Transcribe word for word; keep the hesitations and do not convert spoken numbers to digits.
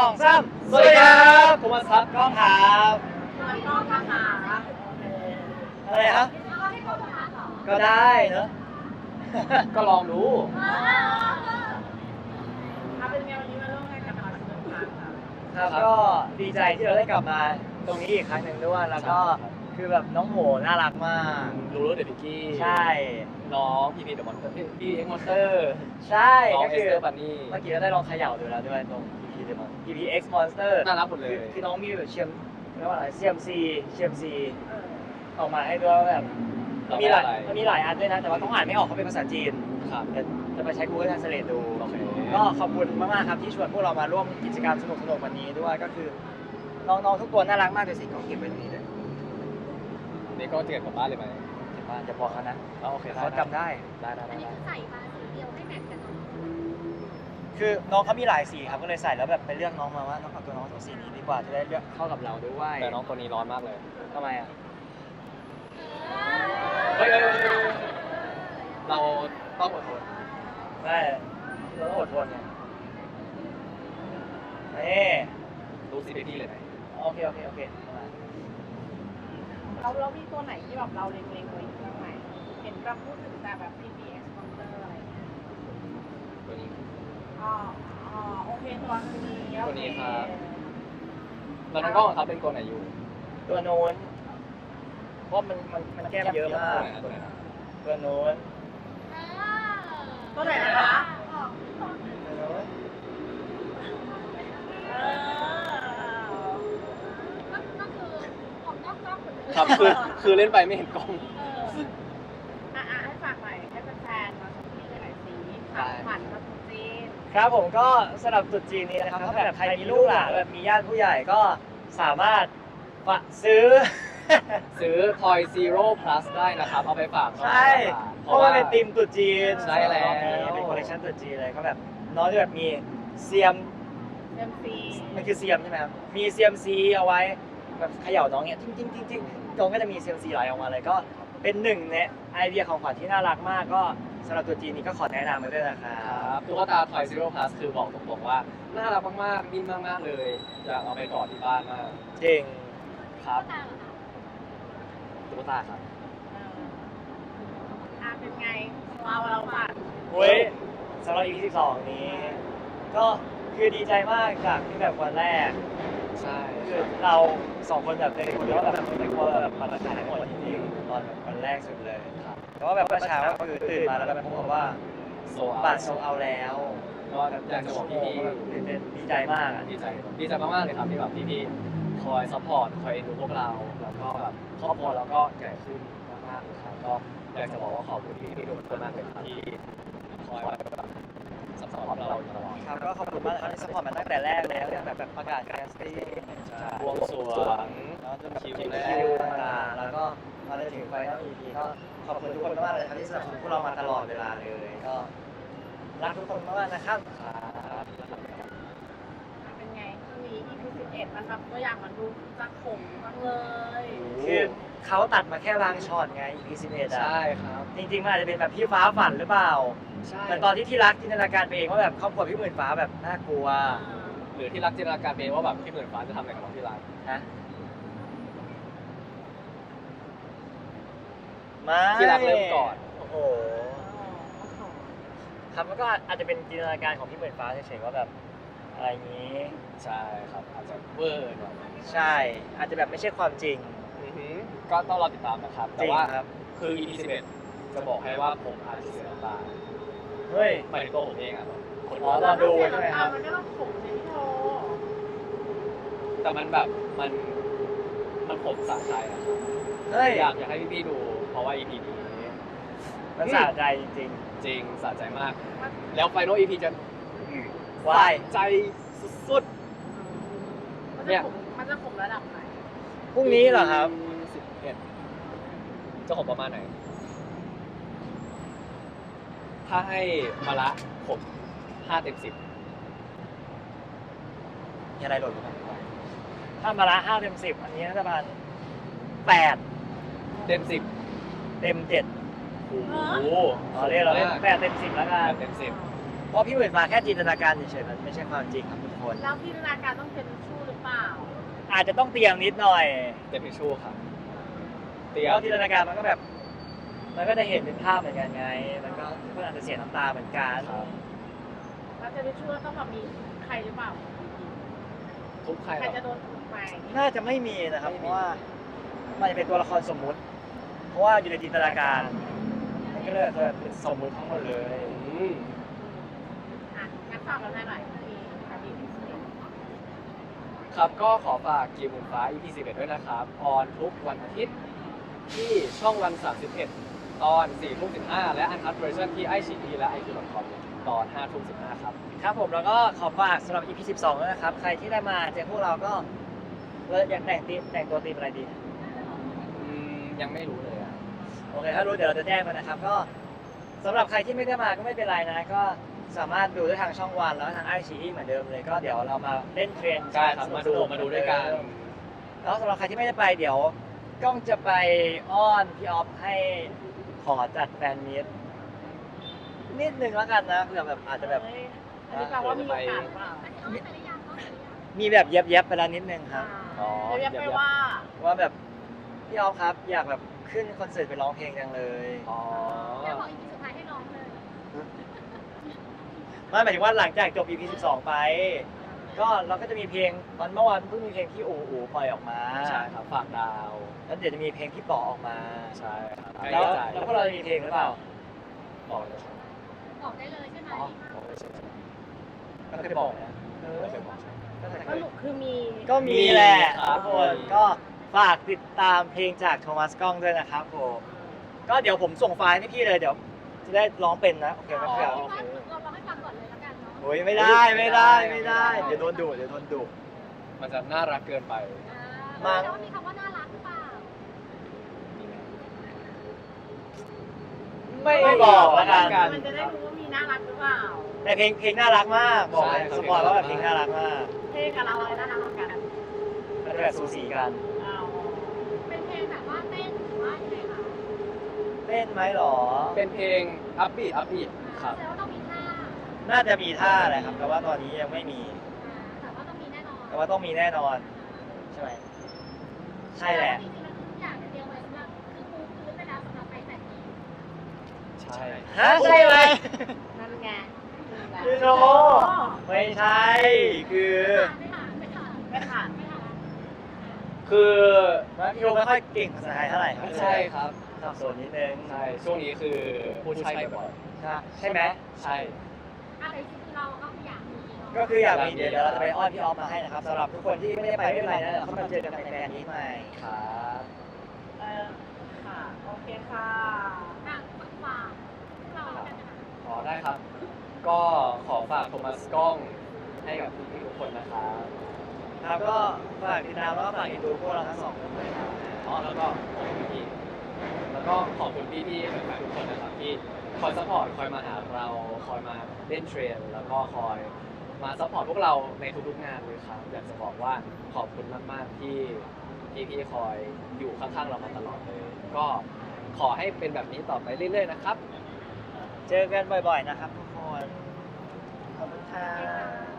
องสามสวัสดีครับผมมาซับกล้องครับก็ทหารอะไรครับก็ได้เนอะ ก็ลองดูถ้าเป็นไงวันนี้มาร่วมงานกับทางสุดท้ายค่ะครับก็ดีใจที่เราได้กลับมาตรงนี้อีกครั้งหนึ่งด้วยแล้วก็คือแบบน้องโหน่ารักมากรู้รู้เดอะพิกกี้ใช่น้องพีพีเดอะมอนสเตอร์พีเอ็กมอนสเตอร์ใช่น้องก็เอคืสอเตอร์บันนี่เมื่อกี้ก็ได้ลองเขย่าดูแล้วด้วยตรง พี พี Demon พี พี X Monster น่ารักหมดเลยคือคือน้องมีแบบเชียมเรียกว่าอะไร ซี เอ็ม ซี ซี เอ็ม ซี ออกมาให้ด้วยว่าแบบมันมีหลายมันมีหลายอันด้วยนะ แต่ว่าต้องอ่านไม่ออกเขาเป็นภาษาจีนครับเดี๋ยวจะไปใช้ Google Translate ดูโอเคก็ขอบคุณมากๆครับที่ชวนพวกเรามาร่วมกิจกรรมสนุกๆวันนี้ด้วยก็คือน้องๆทุกตัวน่ารักมากเลยสิของเก็บไว้ตรงนี้เลยนี่ก็เตรียมกลับบ้านเลยไหมเก็บบ้านอย่าบอกเขานะอ๋อโอเคได้เขาจำได้ได้ได้อัได้นนี้ได้คือใส่มาสีเดียวให้แมทกันเนาะคือน้องเขามีหลายสีครับก็เลยใส่แล้วแบบไปเลือกน้องมาว่าน้องเอาตัวน้องตัวสีนี้ดีกว่าจะได้เลือกเข้ากับเราด้วยแต่น้องตัวนี้ร้อนมากเลยทำไมอ่ะเฮ้ยเฮ้ยเฮ้ยเราต้องอดทนได้เราต้องอดทนไงนี่รู้สิพี่เลยไหมโอเคโอเคโอเคเราเรามีตัวไหนที่แบบเราเล็งๆไว้อยู่บ้างไหมเห็นเราพูดถึงแต่แบบ พี พี เอ็กซ์ Monster อะไรอย่างเงี้ยตัวนี้อ๋ออ๋อโอเคตัวนี้ตัวนี้ครับ แล้วน้องกล้องครับเป็นตัวไหนอยู่ตัวโน้นเพราะมันมันมันแก้มเยอะมากตัวไหนนะตัวโน้นตัวไหนนะคะตัวโน้นเออก็คือของนอกกล้องคนนึงครับคือคือเล่นไปไม่เห็นกล้องเอออ่ะอ่ะให้ฝากหน่อยให้แฟนๆมาชมที่หลายๆสีขับผ่านมาทุกจีนครับผมก็สำหรับตรุษจีนนี้นะครับถ้าแบบใครมีลูกหลานแบบมีญาติผู้ใหญ่ก็สามารถฝากซื้อซื้อ Toy Zero Plus ได้นะครับ เอาไปฝากน้องใช่เพราะว่าเป็นธีมตรุษจีนใช่แล้วเป็นคอลเลคชันตรุษจีนเลยก็แบบน้องจะแบบมีเซียมเอ็มซีมันคือเซียมใช่ไหมครับมีเซียมซีเอาไว้แบบเขย่าน้องเนี่ยจริงจริงจริงจริงน้องก็จะมีเซียมซีไหลออกมาเลยก็เป็นหนึ่งในไอเดียของขวัญที่น่ารักมากก็สำหรับตรุษจีนนี้ก็ขอแนะนำไว้ด้วยนะครัครับ บตุ๊กตา Toy Zero Plus คือบอกตรงๆว่า น่ารักมากๆนิ่มมากๆเลย อยากเอาไปกอดที่บ้านมากจริงครับตาเหรอคะตุ๊กตาครับเอออ่ะเป็นไงเราเราผ่านเว้ยสำหรับ อี พี สิบสองนี้ ก็คือดีใจมากจากที่แบบวันแรกใช่คือเราสองคนแบบในคนเดียวว่าแบบไม่กลัวแบบมันขายทั้งหมดจริงๆตอนวันแรกสุดเลยครับแต่ว่าแบบเมื่อเช้าก็คือตื่นมาแล้วแบบพบว่าโซบัตรโซเอาแล้วก็อยากจะบอกพี่ตื่นเต้นดีใจมากอ่ะๆดีใจ ดีใจมากๆเลยครับที่แบบพี่ๆคอยซัพพอร์ต คอยเอ็นดูพวกเรา แล้วก็แบบครอบครัวเราก็ใหญ่ขึ้นมากๆเลยครับ ก็อยากจะบอกว่าขอบคุณพี่ๆทุกคนมากเลยครับที่คอยแบบซัพพอร์ตพวกเราอยู่ตลอดครับก็ขอบคุณมากนะครับที่สปอร์ตมาตั้งแต่แรกแล้วตั้งแต่แบบประกาศการสตรีมบวงสรวงแล้วจนแบบคิวคิวแรกต่างๆแล้วก็มาถึงไฟนอล อี พี ก็ขอบคุณทุกคนมากๆเลยครับที่สนับสนุนพวกเรามาตลอดเวลาเลยก็รักทุกคนมากๆนะครับครับเป็นไงช่วงนี้ อี พี สิบเอ็ดมันแบบตัวอย่างมันดูจะขมมากเลยคือเขาตัดมาแค่บางช็อตไง อี พี สิบเอ็ดอ่ะใช่ครับจริงๆมันอาจจะเป็นแบบพี่ฟ้าฝันหรือเปล่าใช่เหมือนตอนที่ที่รักจินตนาการไปเองว่าแบบครอบครัวพี่หมื่นฟ้าแบบน่ากลัวหรือที่รักจินตนาการเองว่าแบบพี่หมื่นฟ้าจะทำอะไรกับน้องที่รักฮะไม่ที่รักเริ่มก่อนโอ้โหครับมันก็อาจจะเป็นจินตนาการของพี่หมื่นฟ้าเฉยๆว่าแบบอะไรอย่างนี้ใช่ครับอาจจะเวอร์หน่อยใช่อาจจะแบบไม่ใช่ความจริงอือหือก็ต้องรอติดตามนะครับจแต่ริงว่าครับคือ อี พี สิบเอ็ดจะบอกให้ว่าผมอาจจะเสียน้ำตาเฮ้ยหมายถึงตัวผมเองอ่ะคนอ๋อรอดูใช่ไหมครับมันไม่ต้องขมใช่ไหมพี่โทแต่มันแบบมันมันผมสะใจอะครับเฮ้ยอยากอยากให้พี่ๆดู เพราะว่า อี พี นี้มันสะใจจริงจริงสะใจมาก แล้วไฟนอล อี พี จะๆวายใจสุดมันเนี่จะยขมมันจะขมระดับไหนพรุ่งนี้เหรอครับสิบเอ็ดจะผมประมาณไหน ถ้าให้มาละผมห้าเต็มสิบมีอะไรหล่นลงมาถ้ามาละห้าเต็มสิบอันนี้น่าจะประมาณแปดเต็มสิบเต็มเจ็ดโอ้โหอ๋อเรียกเราเล่นแปดเต็มสิบแล้วกัแปนดเต็มสิบเพราะพี่หมื่นฟ้าแค่จินตนาการเฉยๆมันไม่ใช่ความจริงครับทุกคนแล้วจินตนาการต้องเป็นชู้หรือเปล่าอาจจะต้องเตรียมนิดหน่อยเต็มทิชชู่ครับเตรีเดี๋ยยวมจินตนาการมันก็แบบ มันก็จะเห็นเป็นภาพเหมือนกันไง มันก็ทุกคนอาจจะเสียน้ำตาเหมือนกันครับแล้วจะได้ชู้ต้องแบบมีใครหรือเปล่าทุกใครใครเหรจะอโดนถูกไหมน่าจะไม่มีนะครับไม่เพมีราะว่ามันจะเป็นตัวละครสมมุติ เพราะว่าอยู่ในจินตนาการ มันก็เลยจะเป็นสมมุติทั้งหมดเลยอืมอ่ะงั้นฝากกันหน่อยที่อดีตที่สุดครับก็ขอฝากกีมหมุนฟ้า อี พี สิบเอ็ดด้วยนะครับออนทุกวันอาทิตย์ที่ช่องวันสามสิบเอ็ดตอนสี่ทุ่มสิบห้าและอันคัทเวอร์ชันที่ไอชีอีและไอคิวดอทคอมตอนห้าทุ่มสิบห้าครับครับผมแล้วก็ขอฝากสำหรับ อี พี สิบสองด้วยนะครับ ใครที่ได้มาเจอพวกเราก็เราอยากแต่งตีมแต่งตัวตีมอะไรดีอืมยังไม่รู้เลยอะโอเค ถ้ารู้เดี๋ยวเราจะแจ้งมานะครับ ก็สำหรับใครที่ไม่ได้มาก็ไม่เป็นไรนะ ก็สามารถดูได้ทางช่องวันแล้วก็ทางไอชีเหมือนเดิมเลย ก็เดี๋ยวเรามาเล่นเทรนใช่ครับมาดูมาดูด้วยกันแล้วสำหรับใครที่ไม่ได้ไปเดี๋ยวกล้องจะไปอ้อนพี่ออฟให้ขอจัดแฟนมีตนิดนึงแล้วกันนะเผื่อแบบอาจจะแบบเฮ้ยอันนี้แปลว่ามีโอกาสหรือเปล่าอันนี้เขาแต่ละอย่างเขาแต่ละอย่างมีแบบเย็บๆไปแล้วนิดนึงครับอ๋อเรียกไปว่าว่าแบบพี่ออฟครับอยากแบบขึ้นคอนเสิร์ตไปร้องเพลงจังเลยอ๋อเดี๋ยวบอกอีพีสุดท้ายให้น้องเลยไม่หมายถึงว่าหลังจากจบ อี พี สิบสองไป ก็เราก็จะมีเพลงวันเมื่อวานเพิ่งมีเพลงที่อูอูปล่อยออกมาใช่ครับฝากดาวแล้วเดี๋ยวจะมีเพลงที่ปอออกมาใช่ครับแล้วใกล้แล้วพวกเราจะมีเพลงหรือเปล่าบอกเลยครับบอกได้เลยใช่ไหมอ๋อบอกเลยใช่ไหมก็เคยบอกนะเออไม่เคยบอกใช่ไหมก็เคยสรุปคือมีก็มีแหละครับทุกคนก็ฝากติดตามเพลงจากโทมัสก้องด้วยนะครับผมก็เดี๋ยวผมส่งไฟล์ให้พี่เลยเดี๋ยวจะได้ร้องเป็นนะโอเคไหมเอาเพื่อนคิดว่าเราลองให้ฟังก่อนเลยแล้วกันเนาะโอ้ยไม่ได้ไม่ได้ไม่ได้เดี๋ยวโดนดุเดี๋ยวโดนดุมันจะน่ารักเกินไปอ่าแล้วมีคำว่าน่ารักหรือเปล่าไม่บอกแล้วกันมันจะได้รู้ว่ามีน่ารักหรือเปล่าแต่เพลงเพลงน่ารักมากบอกเลยใช่ครับสปอยล์ว่าแบบเพลงน่ารักมากเพลงกับเราอะไรน่ารักกันมันจะแบบสูสีกันเอาเป็นเพลงแบบว่าเต้นหรือว่ายังไงคะเต้นไหมหรอเป็นเพลงอัพบีทอัพบีทครับแสดงว่าต้องมีท่าน่าจะมีท่าแหละครับ แต่ว่าตอนนี้ยังไม่มีอ่าแต่ว่าต้องมีแน่นอนแต่ว่าต้องมีแน่นอน ใช่ไหมใช่แหละจริงๆแล้วทุกอย่างเนี่ยเตรียมไว้สำหรับคือปูพื้นไปแล้วสำหรับไปแต่งนี้ใช่ฮะใช่ไหมนั่นไงพี่โนไม่ใช่ คือไม่ผ่านไม่ผ่านไม่ผ่านไม่ผ่านคือพี่โนไม่ค่อยเก่งภาษาไทยเท่าไหร่ครับใช่ครับสับสนนิดนึงใช่ ช่วงนี้คือพูดใช่บ่อยใช่ใช่ไหมๆใช่อะไรที่คือเราก็อยากมีเนาะก็คืออยากมีเดี๋ยวเราจะไปอ้อนพี่ออฟมาให้นะครับสำหรับทุกคนที่ไม่ได้ไปไม่เป็นไรนะเดี๋ยวเขามาเจอกันในแฟนนี้ใหม่ครับเออค่ะ โอเคค่ะอ่ะฝากฝากพวกเราแล้วกันนะคะขอได้ครับ ก็ขอฝากโทมัสกล้องให้กับพี่ๆทุกคนนะครับครับก็ฝากติดตามแล้วก็ฝากอินดูพวกเราทั้งสองคนด้วยครับอ๋อแล้วก็ขอบคุณพี่ๆแล้วก็ขอบคุณพี่ๆแฟนๆทุกคนนะครับที่คอยซัพพอร์ตคอยมาหาเราคอยมาเล่นเทรนแล้วก็คอยมาซัพพอร์ตพวกเราในทุกๆงานเลยครับอยากจะบอกว่าขอบคุณมากๆที่พี่ๆคอยอยู่ข้างๆเรามาตลอดเลย ก็ขอให้เป็นแบบนี้ต่อไปเรื่อยๆนะครับเจอกันบ่อยๆนะครับทุกคน ขอบคุณค่ะ